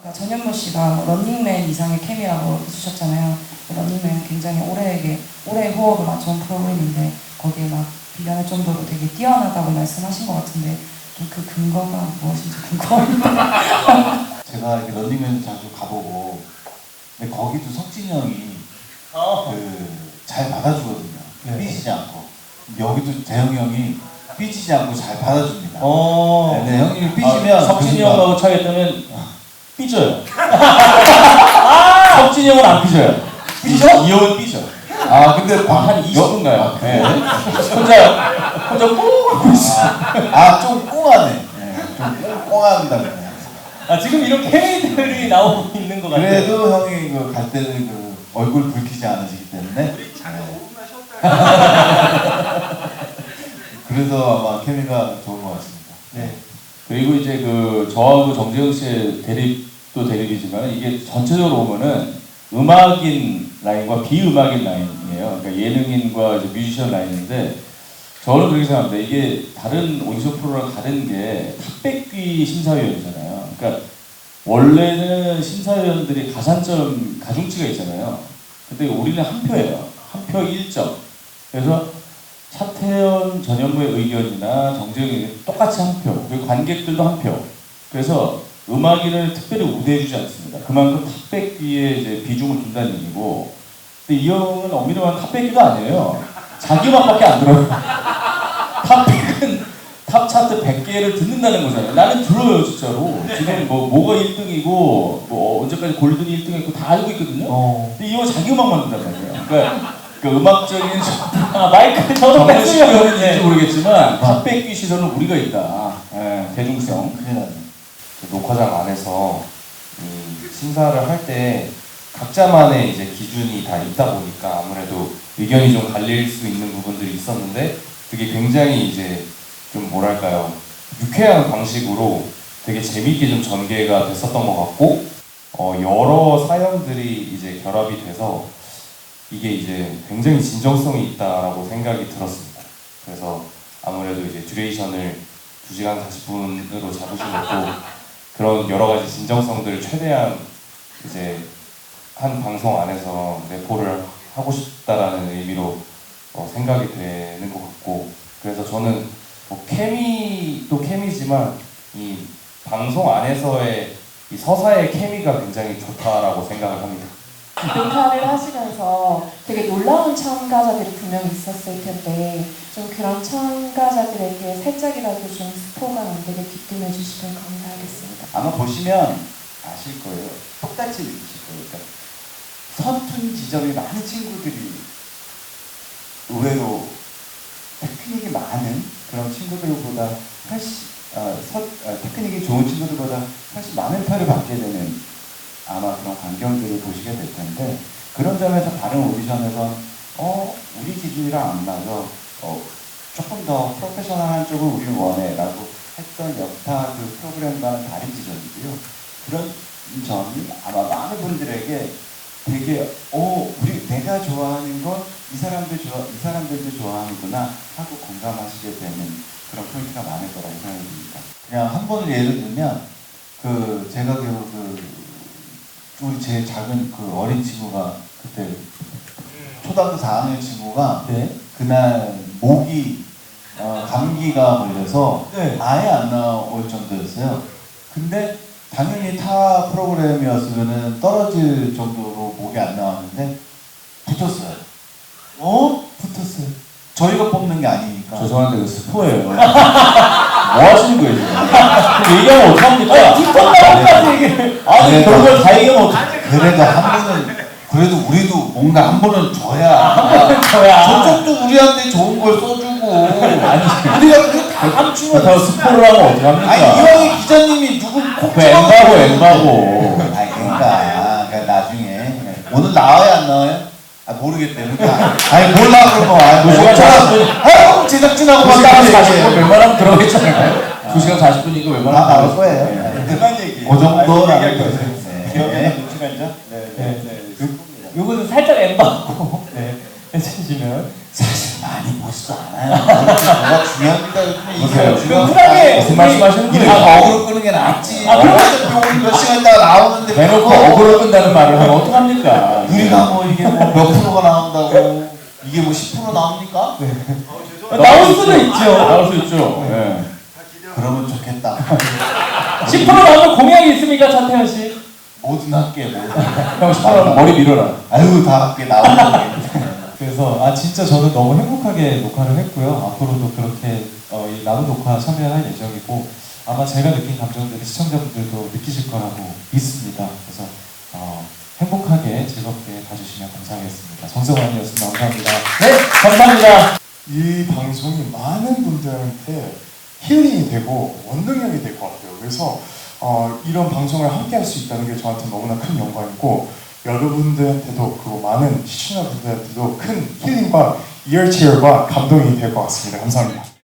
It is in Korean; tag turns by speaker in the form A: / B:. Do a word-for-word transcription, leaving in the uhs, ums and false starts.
A: 전현무 씨가 런닝맨 이상의 케미라고 해주셨잖아요. 런닝맨은 굉장히 오래에게 오래 호흡을 맞춰온 프로그램인데 거기에 막 비교할 정도로 되게 뛰어나다고 말씀하신 것 같은데 좀 그 근거가 무엇인지 궁금합니다.
B: 제가 이렇게 런닝맨 자주 가보고 근데 거기도 석진이 형이
C: 어.
B: 그 잘 받아주거든요.
C: 네.
B: 삐지지 않고. 여기도 재영이 형이 삐지지 않고 잘 받아줍니다.
C: 어.
B: 네, 네, 형님이 삐지면
C: 아, 석진이
B: 그
C: 형하고 차겠다면 삐져요. 석진이 형은 안 삐져요. 삐져? 이 형은 삐져.
B: 아 근데
C: 아, 한 이십 분 가요.
B: 아,
C: 네.
B: 네.
C: 혼자 혼자 꾹 하고 있어.
B: 아좀 꽁하네. 네, 좀 꽁꽁합니다. 그냥.
C: 아 지금 이런 케미들이 나오고 있는 것 같아요.
B: 그래도 형이 그 갈 때는 그 얼굴 붉히지 않으시기 때문에.
D: 우리 잠깐 오 분만 쉬었다.
B: 그래서 아마 케미가 좋은 것 같습니다.
C: 네. 그리고 이제 그 저하고 정재영 씨의 대립도 대립이지만 이게 전체적으로 보면은 음악인 라인과 비음악인 라인이에요. 그러니까 예능인과 이제 뮤지션 라인인데 저는 그렇게 생각합니다. 이게 다른 오디션 프로랑 다른 게 탑백귀 심사위원이잖아요. 그러니까 원래는 심사위원들이 가산점 가중치가 있잖아요. 근데 우리는 한 표예요. 한 표 일 점. 그래서 차태현, 전현무의 의견이나 정재영의 의견 똑같이 한 표. 그리고 관객들도 한 표. 그래서 음악인을 특별히 우대해주지 않습니다. 그만큼 탑백귀에 이제 비중을 준다는 얘기고. 근데 이 형은 엄밀히 말하면 탑백귀가 아니에요. 자기 음악밖에 안 들어요. 탑백은 탑 차트 백 개를 듣는다는 거잖아요. 나는 들어요 진짜로. 지금 뭐 뭐가 일 등이고 뭐 언제까지 골든이 일 등했고 다 알고 있거든요.
B: 어.
C: 근데 이 형은 자기 음악만 듣는단 말이에요. 그러니까 그 음악적인 아, 마이크 저도 뺐으면 모르겠지만 탑백귀 시선은 우리가 있다. 예, 대중성.
B: 큰일 나네.
E: 그 녹화장 안에서 이 심사를 할 때 각자만의 이제 기준이 다 있다 보니까 아무래도 의견이 좀 갈릴 수 있는 부분들이 있었는데 그게 굉장히 이제 좀 뭐랄까요 유쾌한 방식으로 되게 재밌게 좀 전개가 됐었던 것 같고 어 여러 사연들이 이제 결합이 돼서 이게 이제 굉장히 진정성이 있다라고 생각이 들었습니다. 그래서 아무래도 이제 듀레이션을 두 시간 사십 분으로 잡으시고 그런 여러 가지 진정성들을 최대한 이제 한 방송 안에서 내포를 하고 싶다라는 의미로 어, 생각이 되는 것 같고 그래서 저는 뭐 케미도 케미지만 이 방송 안에서의 이 서사의 케미가 굉장히 좋다라고 생각을 합니다.
F: 등판을 하시면서 되게 놀라운 참가자들이 분명히 있었을 텐데 좀 그런 참가자들에게 살짝이라도 좀 스포가 안 되게 귀뜸해 주시면 감사하겠습니다.
B: 아마 보시면 아실 거예요. 똑같이 느끼실 거예요. 그러니까 서툰 지점이 많은 친구들이 의외로 테크닉이 많은 그런 친구들보다 훨씬 어, 서, 어, 테크닉이 좋은 친구들보다 훨씬 많은 표를 받게 되는 아마 그런 광경들을 보시게 될 텐데 그런 점에서 다른 오디션에서 어 우리 기준이랑 안 맞아 어, 조금 더 프로페셔널한 쪽을 우리는 원해 라고 했던 여타 그 프로그램과는 다른 지점이고요. 그런 점이 아마 많은 분들에게 되게 어 우리 내가 좋아하는 건 이 사람들 좋아 이 사람들도 좋아하는구나 하고 공감하시게 되는 그런 포인트가 많을 거라고 생각이 듭니다. 그냥 한 번을 예를 들면 그 제가 그, 그 우리 제일 작은 그 어린 친구가 그때 초등학교 사 학년 친구가
C: 네.
B: 그날 목이 어, 감기가 걸려서
C: 네.
B: 아예 안 나올 정도였어요. 근데 당연히 타 프로그램이었으면 떨어질 정도로 목이 안 나왔는데 붙었어요. 어? 붙었어요. 저희가 뽑는 게 아니니까.
C: 죄송한데 그 스포예요. 뭐 하시는 거예요 지금? 그럼 얘기하면 어떡합니까? 붙었다고까지 얘기를. 아니 그런 걸 다 얘기하면 어떡해?
B: 그래도 한 번은 그래도 우리도 뭔가 한 번은 줘야.
C: 저야.
B: 저쪽도 우리한테 좋은 걸 써주고. 아니 우리가 그게 다
C: 감추면 더 스포를 하면 어떡합니까?
B: 아니 이왕에 기자님이 누구 콕
C: 그 엠바고 엠바고.
B: 아니 그러니까, 그러니까 나중에 오늘 나와요 안 나와요? 아 모르겠대. 그러니까 아니 몰라 그러면 아
C: 두 시간 사십 분.
B: 아 제작진하고
C: 두 시간 사십 분
B: 얘기해.
C: 웬만하면 들어가겠잖아요. 두 시간 사십 분이고
B: 다
C: 웬만하면
B: 나올
C: 들어가겠-
B: 거예요.
C: 네.
D: 그만 얘기해.
B: 그 정도라는
D: 얘기할
B: 거죠.
D: 거예요.
B: 네.
D: 기억에 남는 시간이죠? 네, 네, 네.
C: 요거는 살짝 엠바고. 네.
G: 해주시면.
B: 사실 많이 보지도 않아요. 뭐가 중요합니까?
C: 보세요.
G: 그럼 쿨하게
C: 무슨 말씀하시는
B: 이렇게
C: 거예요?
B: 어그로 끄는 게 낫지.
G: 아, 그럼-
B: 어차피 몇 시간 있다가 나오는데
C: 대놓고
B: 그거
C: 어그로 끈다는 말을 하면 어떡합니까?
B: 우리가 뭐 이게 뭐 몇 프로가 나온다고 이게 뭐 십 퍼센트 나옵니까?
D: 어, 죄송합니다.
G: 나올 수는 있죠.
C: 나올 수 있죠. 예.
D: 다 기대하고
B: 그러면 좋겠다.
G: 십 퍼센트 나오면 공약이 있습니까, 차태현 씨?
B: 뭐든 할게 뭐.
C: 형 십 퍼센트 머리 밀어라.
B: 아유 다 할게 나오는 게.
G: 그래서 아 진짜 저는 너무 행복하게 녹화를 했고요. 앞으로도 그렇게 어, 이 나눔 녹화 참여할 예정이고 아마 제가 느낀 감정들이 시청자분들도 느끼실 거라고 믿습니다. 그래서 어, 행복하게 즐겁게 봐주시면 감사하겠습니다. 정성환이었습니다. 감사합니다.
C: 네, 감사합니다.
H: 이 방송이 많은 분들한테 힐링이 되고 원동력이 될 것 같아요. 그래서 어, 이런 방송을 함께 할 수 있다는 게 저한테 너무나 큰 영광이고 여러분들한테도 그리고 많은 시청자분들한테도 큰 힐링과 이어치열과 감동이 될 것 같습니다. 감사합니다.